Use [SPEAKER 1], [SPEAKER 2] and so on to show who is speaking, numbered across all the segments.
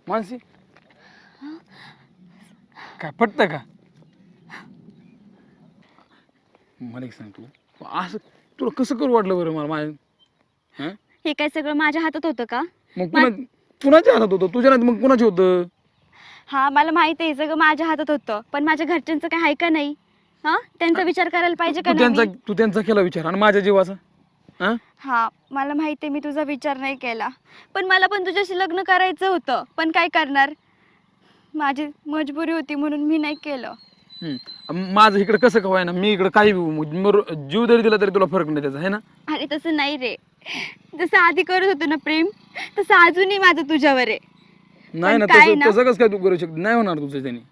[SPEAKER 1] मानसी काय पटतं का? मला एक सांग तू असं तुला कसं करू वाटलं बरं मला माझ्या
[SPEAKER 2] हे काय सगळं माझ्या हातात होतं का?
[SPEAKER 1] मग कुणाच्या हातात होतं? तुझ्या नाही मग कुणाच्या होतं?
[SPEAKER 2] हा मला माहिती आहे सगळं माझ्या हातात होतं, पण माझ्या घरच्यांचं काय आहे का नाही? हा त्यांचा विचार करायला पाहिजे का नाही?
[SPEAKER 1] तू त्यांचा केला विचार आणि माझ्या जीवाचा?
[SPEAKER 2] हा मला माहिती आहे मी तुझा विचार नाही केला, पण मला पण तुझ्याशी लग्न करायचं होतं, पण काय करणार, माझी मजबुरी होती म्हणून मी नाही केलं.
[SPEAKER 1] माझं इकडे कसं काय ना, मी इकडे काही जीव जरी दिला तरी तुला फरक नाही त्याचा, आहे ना?
[SPEAKER 2] अरे तसं नाही रे, जसं आधी करत होतो ना प्रेम, तसं अजूनही माझं तुझ्यावर आहे.
[SPEAKER 1] नाही ना, तसं कसं काय तू करू शकते? नाही होणार तुझं त्याने.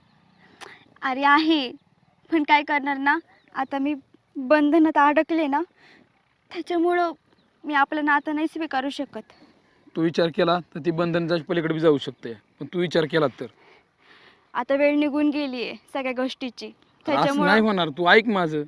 [SPEAKER 2] अरे आहे, पण काय करणार ना, आता मी बंधनात अडकले ना, त्याच्यामुळं मी आपलं नातं नाही स्वीकारू शकत.
[SPEAKER 1] तू विचार केला तर ती बंधनच्या पलीकडे बी जाऊ शकते, पण तू विचार केला तर
[SPEAKER 2] आता वेळ निघून गेलीये सगळ्या गोष्टीची,
[SPEAKER 1] असं
[SPEAKER 2] त्याच्यामुळं
[SPEAKER 1] नाही होणार. तू ऐक माझं.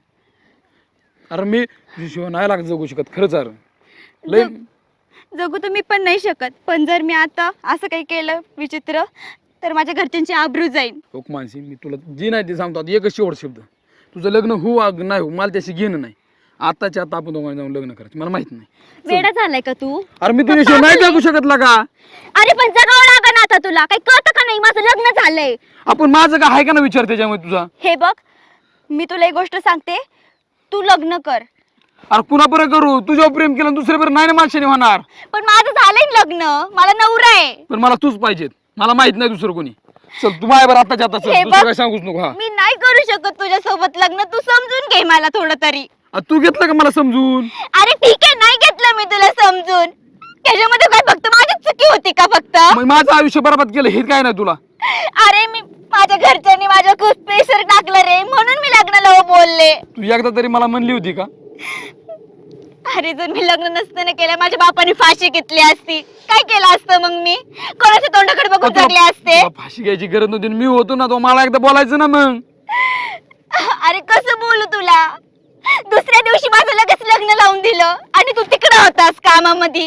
[SPEAKER 1] अरे मी तुझ्याशिवाय नाही लागत जगू शकत खरंच. अरे लय
[SPEAKER 2] जगू तर मी पण नाही शकत, पण जर मी आता असं काही केलं विचित्र तर माझ्या घरच्यांची आबरू जाईल.
[SPEAKER 1] हो मानसी, मी तुला जी नाही ते सांगतो. आता एकच शेवट शब्द, तुझं लग्न हो नाही हो मला त्याशी घेणं नाही. आताच्या आता आपण दोघांनी जाऊन लग्न करायचं, मला माहित नाही.
[SPEAKER 2] वेडा झालाय का तू?
[SPEAKER 1] अरे मी तुझ्याशिवाय नाही जगू शकत का?
[SPEAKER 2] अरे पण जगावं लागेल आता, तुला काही कळतं का नाही? माझं लग्न झालंय.
[SPEAKER 1] आपण माझं का आहे का ना विचार त्याच्यामध्ये तुझा?
[SPEAKER 2] हे बघ, मी तुला एक गोष्ट सांगते, तू लग्न कर.
[SPEAKER 1] अरे कुणा बरं करू? तुझ्यावर प्रेम केलं दुसऱ्या बरं नाही ना माणसाने होणार.
[SPEAKER 2] पण माझं झालंय लग्न, मला नवरा आहे.
[SPEAKER 1] पण मला तूच पाहिजेत, मला माहित नाही दुसरं कोणी. चल तू माझ्या बरं आताच्या आता चल,
[SPEAKER 2] हे
[SPEAKER 1] दुसरं
[SPEAKER 2] बघ,
[SPEAKER 1] काय सांगूच नको. हा
[SPEAKER 2] मी नाही करू शकत तुझ्या सोबत लग्न, तू समजून घे मला थोडं तरी.
[SPEAKER 1] तू घेतलं का मला समजून?
[SPEAKER 2] अरे ठीक आहे, नाही घेतलं मी तुला समजून. त्याच्यामध्ये काय फक्त माझीच चुकी होती का फक्त?
[SPEAKER 1] मग माझं आयुष्य बरबाद केलं हे काय नाही तुला?
[SPEAKER 2] अरे मी माझ्या घरच्यांनी माझ्या खूप प्रेशर टाकलं रे, म्हणून मी लग्नाला हो बोलले.
[SPEAKER 1] तू एकदा तरी मला म्हणली होती का?
[SPEAKER 2] अरे जर मी लग्न नसतं ना केलं, माझ्या बापाने फाशी घेतली असती. काय केलं असतं मग मी? कोणाच्या तोंडाकडे बघून जगले असते?
[SPEAKER 1] तुला फाशी घ्यायची गरज नव्हती. मी होतो ना, तो मला एकदा बोलायचं ना मग.
[SPEAKER 2] अरे कसं बोलू तुला? दुसऱ्या दिवशी माझं लगेच लग्न लावून दिलं आणि तू तिकडे होतास कामामध्ये.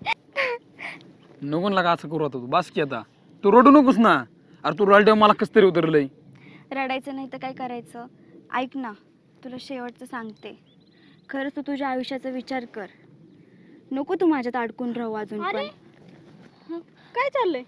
[SPEAKER 1] नको ना असं करू आता. तू बास की आता, तू रडू नकोस ना. अरे तू रडल्यावर मला कसं तरी उतरलंय.
[SPEAKER 2] रडायचं नाही तर काय करायचं? ऐक ना, तुला शेवटचं सांगते, खरंच तू तुझ्या आयुष्याचा विचार कर. नको तू माझ्यात अडकून राहू अजून पण.
[SPEAKER 3] काय चाललंय?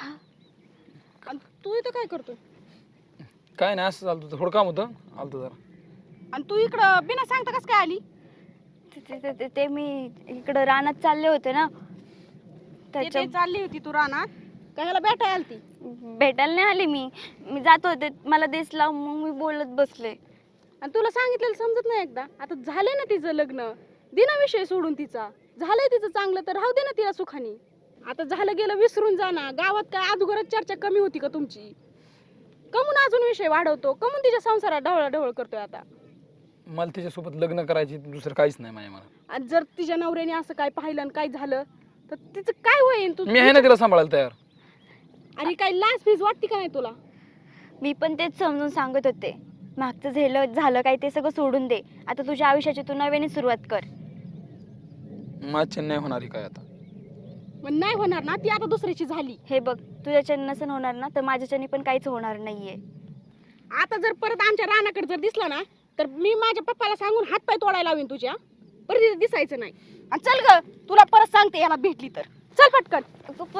[SPEAKER 3] तू इथं काय करतोय?
[SPEAKER 1] काय नाही, असं चालतं. थोडं काम होतं, आलतं जरा.
[SPEAKER 3] आणि तू इकडं बिना सांगता कस काय आली?
[SPEAKER 2] ते मी इकडं रानात चालले होते ना,
[SPEAKER 3] ते चालली होती तू रानात? का ह्याला भेटायला आलती?
[SPEAKER 2] भेटायला नाही आली मी जात होते, मला दिसला मग मी बोलत बसले.
[SPEAKER 3] आणि तुला सांगितलेलं समजत नाही एकदा? आता झालंय ना तिचं लग्न, दिना विषय सोडून तिचा. झालंय तिचं चांगलं तर राहू दे ना तिला सुखानी. आता झालं गेलं विसरून जा ना. गावात काय अगोदरच चर्चा कमी होती का तुमची? कमून अजून विषय वाढवतो, कमून तिच्या संसारात ढवळाढवळ करतोय आता?
[SPEAKER 1] मला तिच्यासोबत लग्न करायची, दुसरं काहीच नाही माझ्या मला.
[SPEAKER 3] आणि जर तिच्या नवऱ्याने असं काय पाहिलं आणि काय झालं तर तिचं काय होईल? तू
[SPEAKER 1] मी आहे ना तिला सांभाळायला तयार.
[SPEAKER 3] अरे काय लाज फीज वाटते का नाही तुला?
[SPEAKER 2] मी पण तेच समजून सांगत होते, मागचं झालं काय ते सगळं सोडून दे. आता तुझ्या आयुष्याची तू नव्याने सुरुवात कर.
[SPEAKER 1] माझ्या नाही होणार काय आता.
[SPEAKER 3] मग नाही होणार ना, ती आता दुसऱ्याची झाली.
[SPEAKER 2] हे बघ, तुझ्याच्याने नसन होणार ना, तर माझ्याच्याने पण काहीच होणार नाहीये.
[SPEAKER 3] आता जर परत आमच्या रानाकडे जर दिसला ना, तर मी माझ्या पप्पाला सांगून हातपाय तोडायला लावीन तुझ्या. परत दिसायचं नाही. आणि चल ग, तुला परत सांगते याला भेटली तर. चल पटकन.